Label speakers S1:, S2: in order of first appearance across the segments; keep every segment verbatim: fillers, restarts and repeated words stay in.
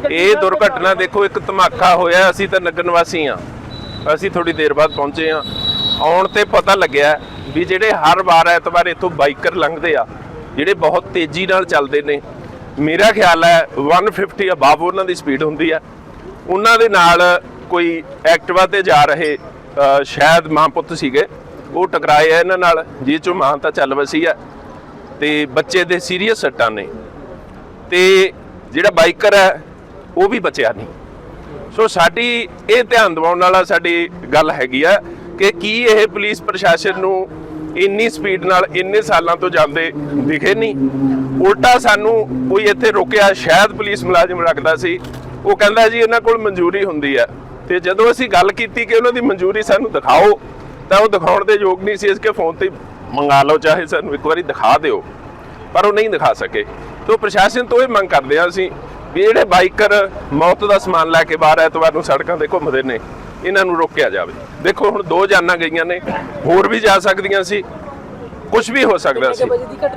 S1: ਇਹ ਦੁਰਘਟਨਾ ਦੇਖੋ ਇੱਕ ਧਮਾਕਾ ਹੋਇਆ। ਅਸੀਂ ਤਾਂ ਨਗਰ ਨਿਵਾਸੀ ਹਾਂ, ਅਸੀਂ ਥੋੜੀ ਦੇਰ ਬਾਅਦ ਪਹੁੰਚੇ ਹਾਂ। ਆਉਣ ਤੇ ਪਤਾ ਲੱਗਿਆ ਵੀ ਜਿਹੜੇ ਹਰ ਵਾਰ ਐਤਵਾਰ ਇੱਥੋਂ ਬਾਈਕਰ ਲੰਘਦੇ ਆ, ਜਿਹੜੇ ਬਹੁਤ ਤੇਜ਼ੀ ਨਾਲ ਚੱਲਦੇ ਨੇ, ਮੇਰਾ ਖਿਆਲ ਹੈ ਇੱਕ ਸੌ ਪਚਾਸ ਅਬਾਵ ਉਹਨਾਂ ਦੀ ਸਪੀਡ ਹੁੰਦੀ ਆ। ਉਹਨਾਂ ਦੇ ਨਾਲ ਕੋਈ ਐਕਟਿਵਾ ਤੇ ਜਾ ਰਹੇ ਸ਼ਾਇਦ ਮਾਂ ਪੁੱਤ ਸੀਗੇ, ਉਹ ਟਕਰਾਏ ਆ ਇਹਨਾਂ ਨਾਲ, ਜਿਸ ਚੋਂ ਮਾਂ ਤਾਂ ਚੱਲ ਵਸੀ ਆ ਤੇ ਬੱਚੇ ਦੇ ਸੀਰੀਅਸ ਸੱਟਾਂ ਨੇ, ਤੇ ਜਿਹੜਾ ਬਾਈਕਰ ਹੈ ਉਹ ਵੀ ਬਚਿਆ ਨਹੀਂ। ਸੋ ਸਾਡੀ ਇਹ ਧਿਆਨ ਦਿਵਾਉਣ ਵਾਲਾ ਸਾਡੀ ਗੱਲ ਹੈਗੀ ਆ ਕਿ ਕੀ ਇਹ ਪੁਲਿਸ ਪ੍ਰਸ਼ਾਸਨ ਨੂੰ ਇੰਨੀ ਸਪੀਡ ਨਾਲ ਇੰਨੇ ਸਾਲਾਂ ਤੋਂ ਜਾਂਦੇ ਦਿਖੇ ਨਹੀਂ। ਉਲਟਾ ਸਾਨੂੰ ਕੋਈ ਇੱਥੇ ਰੁਕਿਆ, ਸ਼ਾਇਦ ਪੁਲਿਸ ਮੁਲਾਜ਼ਮ ਰੱਖਦਾ ਸੀ, ਉਹ ਕਹਿੰਦਾ ਜੀ ਇਹਨਾਂ ਕੋਲ ਮਨਜ਼ੂਰੀ ਹੁੰਦੀ ਹੈ। ਤੇ ਜਦੋਂ ਅਸੀਂ ਗੱਲ ਕੀਤੀ ਕਿ ਉਹਨਾਂ ਦੀ ਮਨਜ਼ੂਰੀ ਸਾਨੂੰ ਦਿਖਾਓ, ਤਾਂ ਉਹ ਦਿਖਾਉਣ ਦੇ ਯੋਗ ਨਹੀਂ ਸੀ। ਇਸ ਕੇ ਫੋਨ ਤੇ ਮੰਗਾ ਲਓ, ਚਾਹੇ ਸਾਨੂੰ ਇੱਕ ਵਾਰੀ ਦਿਖਾ ਦਿਓ, ਪਰ ਉਹ ਨਹੀਂ ਦਿਖਾ ਸਕੇ। ਤੋਂ ਪ੍ਰਸ਼ਾਸਨ ਤੋਂ ਇਹ ਮੰਗ ਕਰਦੇ ਹਾਂ ਅਸੀਂ ਵੀ ਜਿਹੜੇ ਬਾਈਕਰ ਮੌਤ ਦਾ ਸਮਾਨ ਲੈ ਕੇ ਬਾਹਰ ਐਤਵਾਰ ਨੂੰ ਸੜਕਾਂ ਤੇ ਘੁੰਮਦੇ ਨੇ, ਇਹਨਾਂ ਨੂੰ ਰੋਕਿਆ ਜਾਵੇ। ਦੇਖੋ ਹੁਣ ਦੋ ਜਾਨਾਂ ਗਈਆਂ ਨੇ, ਹੋਰ ਵੀ ਜਾ ਸਕਦੀਆਂ ਸੀ, ਕੁਝ ਵੀ ਹੋ ਸਕਦਾ ਸੀ।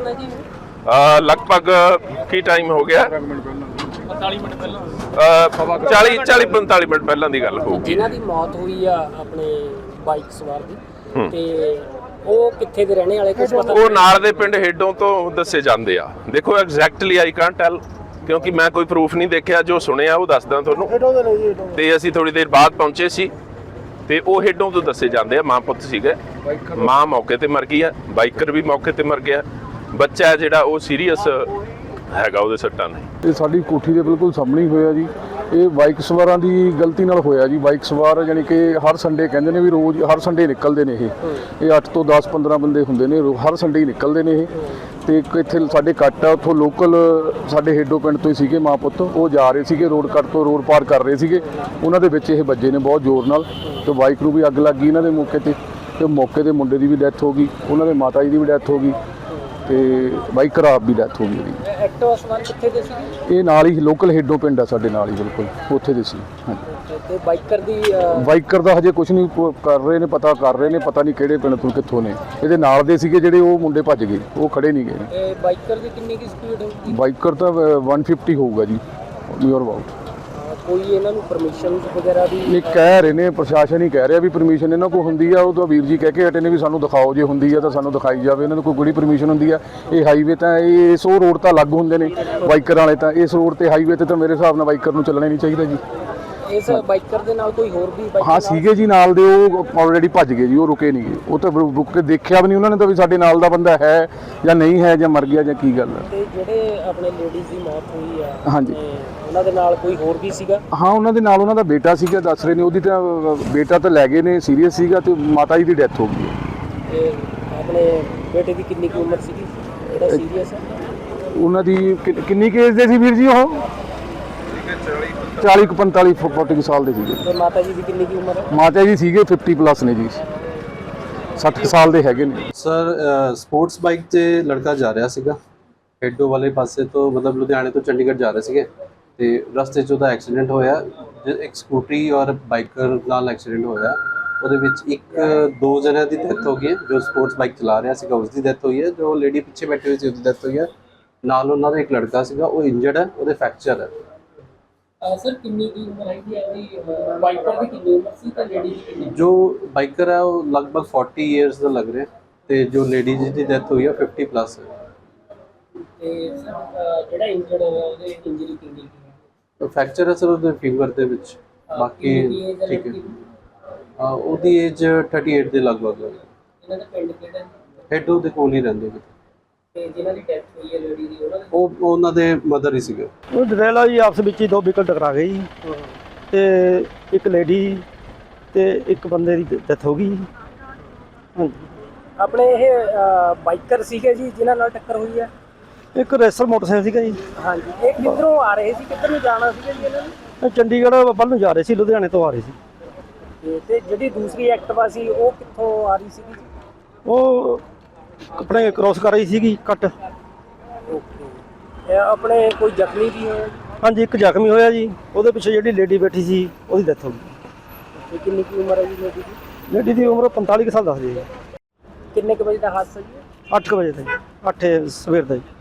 S1: ਲਗਭਗ ਕੀ ਟਾਈਮ ਹੋ ਗਿਆ?
S2: ਪੰਤਾਲੀ ਮਿੰਟ ਪਹਿਲਾਂ,
S1: ਚਾਲੀ ਚਾਲੀ ਪੰਤਾਲੀ ਮਿੰਟ ਪਹਿਲਾਂ ਦੀ ਗੱਲ ਹੋਊਗੀ।
S2: ਜਿਨ੍ਹਾਂ ਦੀ ਮੌਤ ਹੋਈ ਆ ਆਪਣੇ ਬਾਈਕ ਸਵਾਰ ਦੀ, ਤੇ ਉਹ ਕਿੱਥੇ ਦੇ ਰਹਿਣੇ ਵਾਲੇ, ਕੁਝ ਪਤਾ?
S1: ਉਹ ਨਾਲ ਦੇ ਪਿੰਡ ਹੇਡੋਂ ਤੋਂ ਦੱਸੇ ਜਾਂਦੇ ਆ। ਦੇਖੋ ਐਗਜ਼ੈਕਟਲੀ ਆਈ ਕਾਂਟ ਟੈਲ, ਕਿਉਂਕਿ ਮੈਂ ਕੋਈ ਪ੍ਰੂਫ ਨਹੀਂ ਦੇਖਿਆ, ਜੋ ਸੁਣਿਆ ਉਹ ਦੱਸਦਾ ਤੁਹਾਨੂੰ। ਤੇ ਅਸੀਂ ਥੋੜੀ ਦੇਰ ਬਾਅਦ ਪਹੁੰਚੇ ਸੀ ਤੇ ਉਹ ਹੇਡੋਂ ਤੋਂ ਦੱਸੇ ਜਾਂਦੇ ਆ। ਮਾਂ ਪੁੱਤ ਸੀਗੇ, ਮਾਂ ਮੌਕੇ ਤੇ ਮਰ ਗਈ ਆ, ਬਾਈਕਰ ਵੀ ਮੌਕੇ ਤੇ ਮਰ ਗਿਆ, ਬੱਚਾ ਹੈ ਜਿਹੜਾ ਉਹ ਸੀਰੀਅਸ ਹੈਗਾ, ਉਹਦੇ ਸੱਟਾਂ ਨੇ।
S3: ਇਹ ਸਾਡੀ ਕੋਠੀ ਦੇ ਬਿਲਕੁਲ ਸਾਹਮਣੇ ਹੀ ਹੋਇਆ ਜੀ। ਇਹ ਬਾਈਕ ਸਵਾਰਾਂ ਦੀ ਗਲਤੀ ਨਾਲ ਹੋਇਆ ਜੀ। ਬਾਈਕ ਸਵਾਰ ਯਾਨੀ ਕਿ ਹਰ ਸੰਡੇ ਕਹਿੰਦੇ ਨੇ ਵੀ ਰੋਜ਼ ਹਰ ਸੰਡੇ ਨਿਕਲਦੇ ਨੇ। ਇਹ ਇਹ ਅੱਠ ਤੋਂ ਦਸ ਪੰਦਰਾਂ ਬੰਦੇ ਹੁੰਦੇ ਨੇ, ਹਰ ਸੰਡੇ ਹੀ ਨਿਕਲਦੇ ਨੇ ਇਹ। ਤੇ ਇੱਕ ਇੱਥੇ ਸਾਡੇ ਕੱਟ ਆ, ਉੱਥੋਂ ਲੋਕਲ ਸਾਡੇ ਹੇਡੋ ਪਿੰਡ ਤੋਂ ਹੀ ਸੀਗੇ ਮਾਂ ਪੁੱਤ, ਉਹ ਜਾ ਰਹੇ ਸੀਗੇ ਰੋਡ ਕੱਟ ਤੋਂ, ਰੋਡ ਪਾਰ ਕਰ ਰਹੇ ਸੀਗੇ, ਉਹਨਾਂ ਦੇ ਵਿੱਚ ਇਹ ਵੱਜੇ ਨੇ ਬਹੁਤ ਜ਼ੋਰ ਨਾਲ, ਤੇ ਬਾਈਕ ਨੂੰ ਵੀ ਅੱਗ ਲੱਗ ਗਈ ਇਹਨਾਂ ਦੇ ਮੌਕੇ ਤੇ। ਤੇ ਮੌਕੇ ਤੇ ਮੁੰਡੇ ਦੀ ਵੀ ਡੈਥ ਹੋ ਗਈ, ਉਹਨਾਂ ਦੇ ਮਾਤਾ ਜੀ ਦੀ ਵੀ ਡੈਥ ਹੋ ਗਈ, ਤੇ ਬਾਈਕਰ ਆਪ ਵੀ ਡੈਥ ਹੋ ਗਈ ਉਹਦੀ।
S2: ਐਕਟਿਵਾ ਸਵਾਰ ਕਿੱਥੇ ਦੇ ਸੀ?
S3: ਇਹ ਨਾਲ ਹੀ ਲੋਕਲ ਹੇਡੋ ਪਿੰਡ ਆ ਸਾਡੇ ਨਾਲ ਹੀ, ਬਿਲਕੁਲ ਉੱਥੇ ਦੇ ਸੀ। ਹਾਂਜੀ।
S2: ਤੇ ਬਾਈਕਰ ਦੀ
S3: ਬਾਈਕਰ ਦਾ ਹਜੇ ਕੁਝ ਨਹੀਂ ਕਰ ਰਹੇ ਨੇ, ਪਤਾ ਕਰ ਰਹੇ ਨੇ, ਪਤਾ ਨਹੀਂ ਕਿਹੜੇ ਪਿੰਡ ਤੋਂ ਕਿੱਥੋਂ ਨੇ। ਇਹਦੇ ਨਾਲ ਦੇ ਸੀਗੇ ਜਿਹੜੇ, ਉਹ ਮੁੰਡੇ ਭੱਜ ਗਏ, ਉਹ ਖੜੇ ਨਹੀਂ ਗਏ।
S2: ਤੇ ਬਾਈਕਰ ਦੀ ਕਿੰਨੀ ਕੀ ਸਪੀਡ ਹੋਊਗੀ?
S3: ਬਾਈਕਰ ਤਾਂ ਇੱਕ ਸੌ ਪਚਾਸ ਹੋਊਗਾ ਜੀ, ਨੀਅਰ ਅਬਾਊਟ।
S2: ਕੋਈ ਇਹਨਾਂ ਨੂੰ ਪਰਮਿਸ਼ਨ ਵਗੈਰਾ ਵੀ
S3: ਨਹੀਂ ਕਹਿ ਰਹੇ ਨੇ, ਪ੍ਰਸ਼ਾਸਨ ਹੀ ਕਹਿ ਰਿਹਾ ਵੀ ਪਰਮਿਸ਼ਨ ਇਹਨਾਂ ਕੋਲ ਹੁੰਦੀ ਆ। ਉਹ ਤਾਂ ਵੀਰ ਜੀ ਕਹਿ ਕੇ ਹਟੇ ਨੇ ਵੀ ਸਾਨੂੰ ਦਿਖਾਓ, ਜੇ ਹੁੰਦੀ ਆ ਤਾਂ ਸਾਨੂੰ ਦਿਖਾਈ ਜਾਵੇ। ਇਹਨਾਂ ਨੂੰ ਕੋਈ ਕਿਹੜੀ ਪਰਮਿਸ਼ਨ ਹੁੰਦੀ ਆ? ਇਹ ਹਾਈਵੇ ਤਾਂ ਇਹ ਇਸ ਉਹ ਰੋਡ ਤਾਂ ਅਲੱਗ ਹੁੰਦੇ ਨੇ ਬਾਈਕਰ ਵਾਲੇ, ਤਾਂ ਇਸ ਰੋਡ ਤੇ ਹਾਈਵੇ ਤੇ ਤਾਂ ਮੇਰੇ ਹਿਸਾਬ ਨਾਲ ਬਾਈਕਰ ਨੂੰ ਚੱਲਣਾ ਨਹੀਂ ਚਾਹੀਦਾ ਜੀ।
S2: ਇਸ ਬਾਈਕਰ ਦੇ ਨਾਲ ਕੋਈ ਹੋਰ ਵੀ
S3: ਹਾਂ ਸੀਗੇ ਜੀ ਨਾਲ ਦੇ, ਉਹ ਆਲਰੇਡੀ ਭੱਜ ਗਏ ਜੀ, ਉਹ ਰੁਕੇ ਨਹੀਂ ਗਏ। ਉਹ ਤਾਂ ਰੁਕ ਕੇ ਦੇਖਿਆ ਵੀ ਨਹੀਂ ਉਹਨਾਂ ਨੇ ਤਾਂ ਵੀ ਸਾਡੇ ਨਾਲ ਦਾ ਬੰਦਾ ਹੈ ਜਾਂ ਨਹੀਂ ਹੈ, ਜਾਂ ਮਰ ਗਿਆ ਜਾਂ ਕੀ ਗੱਲ ਹੈ।
S2: ਤੇ ਜਿਹੜੇ ਆਪਣੇ ਲੇਡੀਜ਼ ਦੀ ਮੌਤ ਹੋਈ ਆ,
S3: ਹਾਂਜੀ,
S2: ਉਹਨਾਂ ਦੇ ਨਾਲ ਕੋਈ ਹੋਰ ਵੀ ਸੀਗਾ?
S3: ਹਾਂ ਉਹਨਾਂ ਦੇ ਨਾਲ ਉਹਨਾਂ ਦਾ ਬੇਟਾ ਸੀਗਾ, ਦੱਸ ਰਹੇ ਨੇ। ਉਹਦੀ ਤਾਂ ਬੇਟਾ ਤਾਂ ਲੈ ਗਏ ਨੇ, ਸੀਰੀਅਸ ਸੀਗਾ, ਤੇ ਮਾਤਾ ਜੀ ਦੀ ਡੈਥ ਹੋ ਗਈ।
S2: ਤੇ ਆਪਣੇ ਬੇਟੇ ਦੀ ਕਿੰਨੀ ਕੁ ਉਮਰ ਸੀਗੀ ਜਿਹੜਾ ਸੀਰੀਅਸ ਹੈ?
S3: ਉਹਨਾਂ ਦੀ ਕਿੰਨੀ ਕੇਸ ਦੇ ਸੀ ਵੀਰ ਜੀ? ਉਹ ਚਾਲੀ ਪੰਤਾਲੀ ਚਾਲੀ ਸਾਲ ਦੇ ਸੀਗੇ।
S2: ਤੇ ਮਾਤਾ ਜੀ ਦੀ ਕਿੰਨੀ ਕੀ ਉਮਰ ਹੈ?
S3: ਮਾਤਾ ਜੀ ਸੀਗੇ ਪਚਾਸ ਪਲੱਸ ਨੇ ਜੀ, ਸੱਠ ਸਾਲ ਦੇ ਹੈਗੇ ਨੇ।
S4: ਸਰ ਸਪੋਰਟਸ ਬਾਈਕ ਤੇ ਲੜਕਾ ਜਾ ਰਿਹਾ ਸੀਗਾ ਹੇਡੋ ਵਾਲੇ ਪਾਸੇ ਤੋਂ, ਮਤਲਬ ਲੁਧਿਆਣੇ ਤੋਂ ਚੰਡੀਗੜ੍ਹ ਜਾ ਰਹੇ ਸੀਗੇ, ਤੇ ਰਸਤੇ 'ਚ ਉਹਦਾ ਐਕਸੀਡੈਂਟ ਹੋਇਆ। ਇੱਕ ਸਕੂਟਰੀ ਔਰ ਬਾਈਕਰ ਨਾਲ ਐਕਸੀਡੈਂਟ ਹੋਇਆ। ਉਹਦੇ ਵਿੱਚ ਇੱਕ ਦੋ ਜਣਿਆਂ ਦੀ ਡੈਥ ਹੋ ਗਈ ਹੈ। ਜੋ ਸਪੋਰਟਸ ਬਾਈਕ ਚਲਾ ਰਿਹਾ ਸੀਗਾ ਉਸ ਦੀ ਡੈਥ ਹੋਈ ਹੈ, ਜੋ ਲੇਡੀ ਪਿੱਛੇ ਬੈਠੀ ਹੋਈ ਸੀ ਉਹਦੀ ਡੈਥ ਹੋਈ ਹੈ। ਨਾਲ ਉਹਨਾਂ ਦਾ ਇੱਕ ਲੜਕਾ ਸੀਗਾ, ਉਹ ਇੰਜਰਡ ਹੈ, ਉਹਦੇ ਫ੍ਰੈਕਚਰ ਹੈ।
S2: ਸਰ ਕਿੰਨੀ ਕੀ ਉਮਰ ਹੈਗੀ ਹੈ ਜੀ? ਬਾਈਕਰ ਦੀ ਕਿੰਨੀ ਉਮਰ ਸੀ ਤੇ ਲੇਡੀ ਦੀ ਕਿੰਨੀ?
S4: ਜੋ ਬਾਈਕਰ ਹੈ ਉਹ ਲਗਭਗ ਚਾਲੀ ਇਅਰਸ ਦਾ ਲੱਗ ਰਿਹਾ, ਤੇ ਜੋ ਲੇਡੀ ਦੀ ਡੈਥ ਹੋਈ ਹੈ ਪਚਾਸ ਪਲੱਸ ਹੈ।
S2: ਤੇ ਸਰ ਜਿਹੜਾ ਇੰਜਰਡ ਹੋਇਆ ਉਹਦੇ ਇੰਜਰੀ ਕਿੰਨੀ ਕੀ ਹੈ?
S4: ਫ੍ਰੈਕਚਰ ਹੈ ਸਰ ਉਹਦੇ ਫਿੰਗਰ ਦੇ ਵਿੱਚ। ਬਾਕੀ ਠੀਕ ਹੈ। ਉਹਦੀ ਏਜ ਅਠਾਈ ਦੇ ਲਗਭਗ ਹੈ।
S2: ਇਹਨਾਂ ਦਾ ਪਿੰਡ ਕਿਹੜਾ?
S4: ਹੇਡੋ ਦੇ ਕੋਲ ਹੀ ਰਹਿੰਦੇ ਨੇ।
S2: ਤੇ ਜਿਨ੍ਹਾਂ ਦੀ ਡੈਥ ਹੋਈ ਹੈ ਲੇਡੀ ਦੀ, ਉਹਨਾਂ
S4: ਉਹ ਉਹਨਾਂ ਦੇ ਮਦਰ ਹੀ ਸੀਗੇ।
S5: ਉਹ ਡਰੇਲਾ ਜੀ ਆਪਸ ਵਿੱਚ ਹੀ ਦੋ ਵਹੀਕਲ ਟਕਰਾ ਗਏ ਜੀ, ਤੇ ਇੱਕ ਲੇਡੀ ਤੇ ਇੱਕ ਬੰਦੇ ਦੀ ਡੈਥ ਹੋ ਗਈ। ਹਾਂਜੀ।
S2: ਆਪਣੇ ਇਹ ਬਾਈਕਰ ਸੀਗੇ ਜੀ ਜਿਨ੍ਹਾਂ ਨਾਲ ਟੱਕਰ ਹੋਈ ਹੈ?
S5: ਇੱਕ ਰੇਸਰ ਮੋਟਰਸਾਈਕਲ ਸੀਗਾ ਜੀ।
S2: ਹਾਂਜੀ। ਇਹ ਕਿੱਧਰੋਂ ਆ ਰਹੇ ਸੀ, ਕਿੱਧਰ ਨੂੰ ਜਾਣਾ ਸੀਗਾ ਜੀ ਇਹਨਾਂ ਨੇ?
S5: ਚੰਡੀਗੜ੍ਹ ਵੱਲ ਨੂੰ ਜਾ ਰਹੇ ਸੀ, ਲੁਧਿਆਣੇ ਤੋਂ ਆ ਰਹੇ ਸੀ।
S2: ਤੇ ਜਿਹੜੀ ਦੂਸਰੀ ਐਕਟਿਵਾ ਸੀ ਉਹ ਕਿੱਥੋਂ ਆ ਰਹੀ ਸੀਗੀ ਜੀ?
S5: ਉਹ ਆਪਣੇ ਕ੍ਰੋਸ ਕਰ ਰਹੀ ਸੀਗੀ ਕੱਟ।
S2: ਓਕੇ। ਆਪਣੇ ਕੋਈ ਜ਼ਖਮੀ ਵੀ ਹੋਇਆ?
S5: ਹਾਂਜੀ, ਇੱਕ ਜ਼ਖਮੀ ਹੋਇਆ ਜੀ। ਉਹਦੇ ਪਿੱਛੇ ਜਿਹੜੀ ਲੇਡੀ ਬੈਠੀ ਸੀ ਉਹਦੀ ਡੈਥ ਹੋ ਗਈ।
S2: ਕਿੰਨੀ ਕੀ ਉਮਰ ਹੈ ਜੀ ਲੇਡੀ ਦੀ?
S5: ਲੇਡੀ ਦੀ ਉਮਰ ਪੰਤਾਲੀ ਕੁ ਸਾਲ ਦੱਸਦੀ ਹੈ।
S2: ਕਿੰਨੇ ਕੁ ਵਜੇ ਦਾ ਹਾਦਸਾ ਜੀ?
S5: ਅੱਠ ਕੁ ਵਜੇ ਦਾ ਜੀ, ਅੱਠ ਸਵੇਰ ਦਾ ਜੀ।